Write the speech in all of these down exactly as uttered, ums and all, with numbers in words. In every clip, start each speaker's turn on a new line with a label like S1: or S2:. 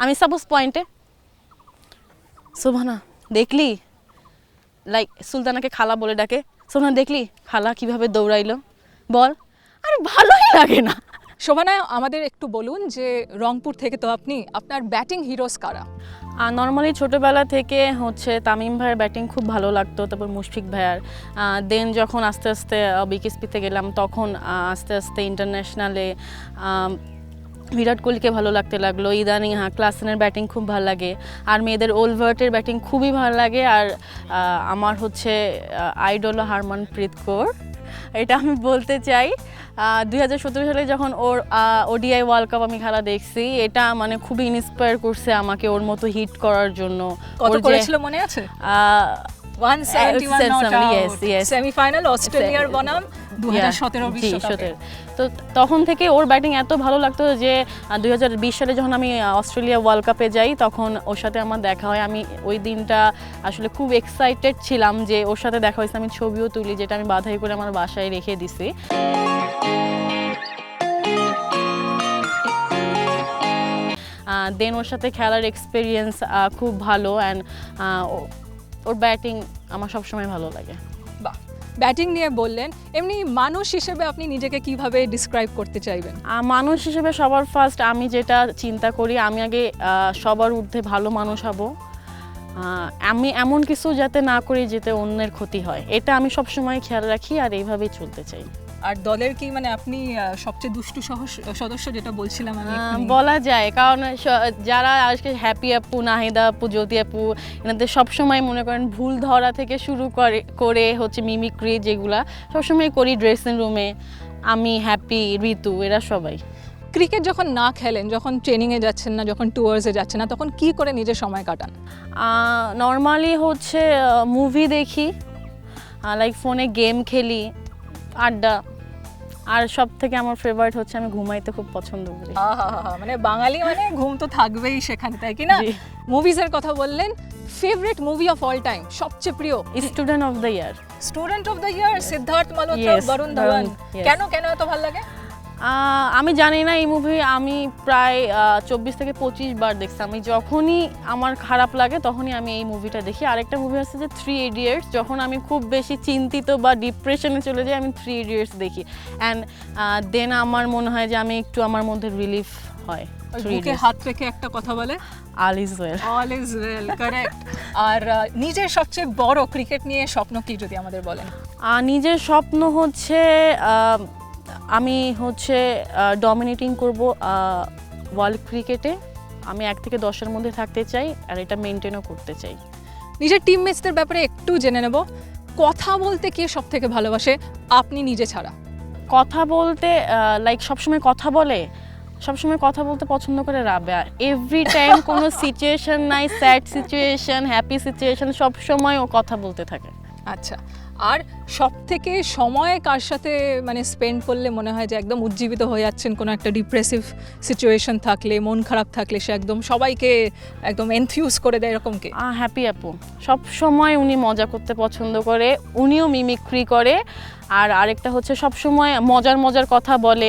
S1: আমি সাপোজ পয়েন্টে, শোভানা দেখলি, লাইক সুলতানাকে খালা বলে ডাকে, শোভানা দেখলি খালা কিভাবে দৌড়াইলো, বল। আরে ভালোই লাগে না।
S2: শোভানা, আমাদের একটু বলুন যে রংপুর থেকে তো আপনি, আপনার ব্যাটিং হিরোস কারা?
S1: আর নর্মালি ছোটোবেলা থেকে হচ্ছে তামিম ভাইয়ের ব্যাটিং খুব ভালো লাগতো, তারপর মুশফিক ভাইয়ার। দেন যখন আস্তে আস্তে বিকেএসপিতে গেলাম তখন আস্তে আস্তে ইন্টারন্যাশনালে বিরাট কোহলিকে ভালো লাগতে লাগলো। ইদানিং হ্যাঁ ক্লাসেনের ব্যাটিং খুব ভালো লাগে, আর মেয়েদের ওলভার্টের ব্যাটিং খুবই ভালো লাগে। আর আমার হচ্ছে আইডল হারমনপ্রীত কৌর, এটা আমি বলতে চাই। দুই হাজার সতেরো সালে যখন ওর ওডিআই ওয়ার্ল্ড কাপ আমি খেলা দেখছি, এটা মানে খুবই ইন্সপায়ার করছে আমাকে ওর মতো হিট করার জন্য।
S2: কত করেছিল মনে আছে? একশো সাতষট্টি নট আউট, সেমিফাইনাল অস্ট্রেলিয়ার বনাম দুই হাজার সতেরো বিশ্বকাপে।
S1: তো তখন থেকে ওর ব্যাটিং এত ভালো লাগতো যে দুই হাজার বিশ সালে যখন আমি অস্ট্রেলিয়া ওয়ার্ল্ড কাপে যাই তখন ওর সাথে আমার দেখা হয়। আমি ওই দিনটা আসলে খুব এক্সাইটেড ছিলাম যে ওর সাথে দেখা হয়েছে, আমি ছবিও তুলি, যেটা আমি বাধাই করে আমার বাসায় রেখে দিছি। দেন ওর সাথে খেলার এক্সপিরিয়েন্স খুব ভালো, অ্যান্ড ওর ব্যাটিং আমার সবসময় ভালো লাগে।
S2: বাহ, ব্যাটিং নিয়ে বললেন, এমনি মানুষ হিসেবে আপনি নিজেকে কিভাবে ডিসক্রাইব করতে চাইবেন?
S1: মানুষ হিসেবে সবার ফার্স্ট আমি যেটা চিন্তা করি, আমি আগে সবার ঊর্ধ্বে ভালো মানুষ হব। আমি এমন কিছু যাতে না করি যেতে অন্যের ক্ষতি হয়, এটা আমি সবসময় খেয়াল রাখি আর এইভাবেই চলতে চাই।
S2: আর দলের কি মানে আপনি সবচেয়ে দুষ্টু সদস্য যেটা বলছিলাম আমি,
S1: বলা যায়, কারণ যারা আজকে হ্যাপি আপু, নাহিদা আপু, জ্যোতি আপু, এনাদের সবসময় মনে করেন ভুল ধরা থেকে শুরু করে করে হচ্ছে মিমিক্রি যেগুলা সবসময় করি ড্রেসিং রুমে, আমি হ্যাপি, ঋতু, এরা সবাই।
S2: ক্রিকেট যখন না খেলেন, যখন ট্রেনিংয়ে যাচ্ছেন না, যখন ট্যুরসে যাচ্ছেন না, তখন কি করে নিজের সময় কাটান?
S1: নর্মালি হচ্ছে মুভি দেখি, লাইক ফোনে গেম খেলি, আড্ডা, আর সব থেকে আমার ফেভারিট হচ্ছে আমি ঘুমাইতে খুব পছন্দ করি।
S2: মানে বাঙালি মানে ঘুম তো থাকবেই সেখানে, তাই কি না? মুভিজের কথা বললেন, favourite movie of all time, সবচেয়ে প্রিয়?
S1: Student of the year.
S2: Student of the year, Siddharth Malhotra, Varun Dhawan. কেন কেন এত ভালো লাগে?
S1: আমি জানি না, এই মুভি আমি প্রায় চব্বিশ থেকে পঁচিশ বার দেখছি। আমি যখনই আমার খারাপ লাগে তখনই আমি এই মুভিটা দেখি। আরেকটা মুভি আছে যে থ্রি ইডিয়টস, যখন আমি খুব বেশি চিন্তিত বা ডিপ্রেশনে চলে যাই আমি থ্রি ইডিয়টস দেখি, অ্যান্ড দেন আমার মনে হয় যে আমি একটু আমার মধ্যে রিলিফ হয়।
S2: বুকে হাত রেখে একটা কথা বলে,
S1: all is well.
S2: All is well, correct. আর নিজের সবচেয়ে বড় ক্রিকেট নিয়ে স্বপ্ন কি যদি আমাদের বলেন?
S1: নিজের স্বপ্ন হচ্ছে আমি হচ্ছে ডমিনেটিং করব ওয়ার্ল্ড ক্রিকেটে। আমি এক থেকে দশের মধ্যে থাকতে চাই আর এটা মেনটেনও করতে চাই।
S2: নিজের টিমমেটসদের ব্যাপারে একটু জেনে নেব, কথা বলতে কে সব থেকে ভালোবাসে আপনি নিজে ছাড়া?
S1: কথা বলতে লাইক সবসময় কথা বলে, সবসময় কথা বলতে পছন্দ করে রাবেয়া। এভরি টাইম কোনো সিচুয়েশন নাই, স্যাড সিচুয়েশন, হ্যাপি সিচুয়েশন, সবসময় ও কথা বলতে থাকে।
S2: আচ্ছা, আর সব থেকে সময় কার সাথে মানে স্পেন্ড করলে মনে হয় যে একদম উজ্জীবিত হয়ে যাচ্ছেন? কোনো একটা ডিপ্রেসিভ সিচুয়েশন থাকলে, মন খারাপ থাকলে সে একদম সবাইকে একদম এনথিউজ করে দেয়, এরকম কি?
S1: হ্যাপি আপু, সব সময় উনি মজা করতে পছন্দ করে, উনিও মিমিক্রি করে। আর আরেকটা হচ্ছে সব সময় মজার মজার কথা বলে,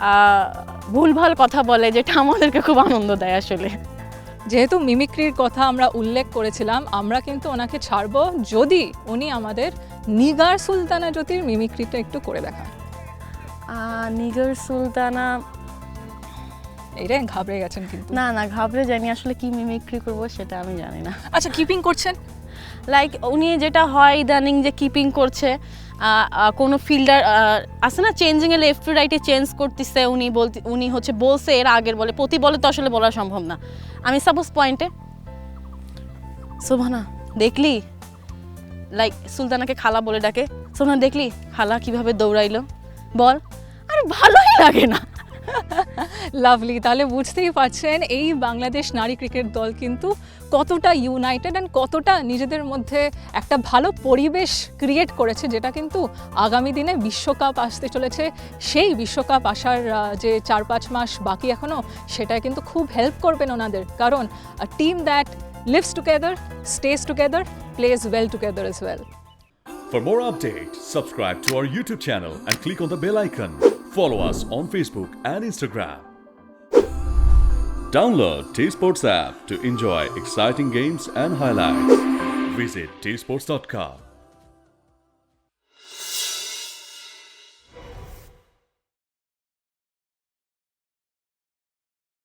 S1: ভুলভাল কথা বলে, যেটা আমাদেরকে খুব আনন্দ দেয় আসলে।
S2: যেহেতু মিমিক্রির কথা আমরা উল্লেখ করেছিলাম, আমরা কিন্তু ওনাকে ছাড়বো যদি উনি আমাদের নিগার সুলতানা জ্যোতির মিমিক্রিটা একটু করে দেখান।
S1: নিগার সুলতানা,
S2: এইটা ঘাবড়ে গেছেন কিন্তু?
S1: না না, ঘাবড়ে যায়নি, আসলে কি মিমিক্রি করবো সেটা আমি জানি না।
S2: আচ্ছা, কিপিং করছেন?
S1: লাইক উনি যেটা হয় ইদানিং যে কিপিং করছে, কোনো ফিল্ডার আছে না চেঞ্জিংয়ে লেফট টু রাইটে চেঞ্জ করতেছে, উনি বলতে উনি হচ্ছে বলছে এর আগের বলে, প্রতি বলে তো আসলে বলা সম্ভব না। আমি সাপোজ পয়েন্টে, শোভানা দেখলি, লাইক সুলতানাকে খালা বলে ডাকে, শোভানা দেখলি খালা কিভাবে দৌড়াইলো, বল। আরে ভালোই লাগে না।
S2: লাভলি, তাহলে বুঝতেই পারছেন এই বাংলাদেশ নারী ক্রিকেট দল কিন্তু কতটা ইউনাইটেড অ্যান্ড কতটা নিজেদের মধ্যে একটা ভালো পরিবেশ ক্রিয়েট করেছে, যেটা কিন্তু আগামী দিনে বিশ্বকাপ আসতে চলেছে। সেই বিশ্বকাপ আসার যে চার পাঁচ মাস বাকি এখনও, সেটা কিন্তু খুব হেল্প করবেন ওনাদের, কারণ team that lives together, stays together, plays well together as well.
S3: For more updates, subscribe to our YouTube channel and click on the bell icon. Follow us on Facebook and Instagram. Download T Sports app to enjoy exciting games and highlights. Visit t sports dot com.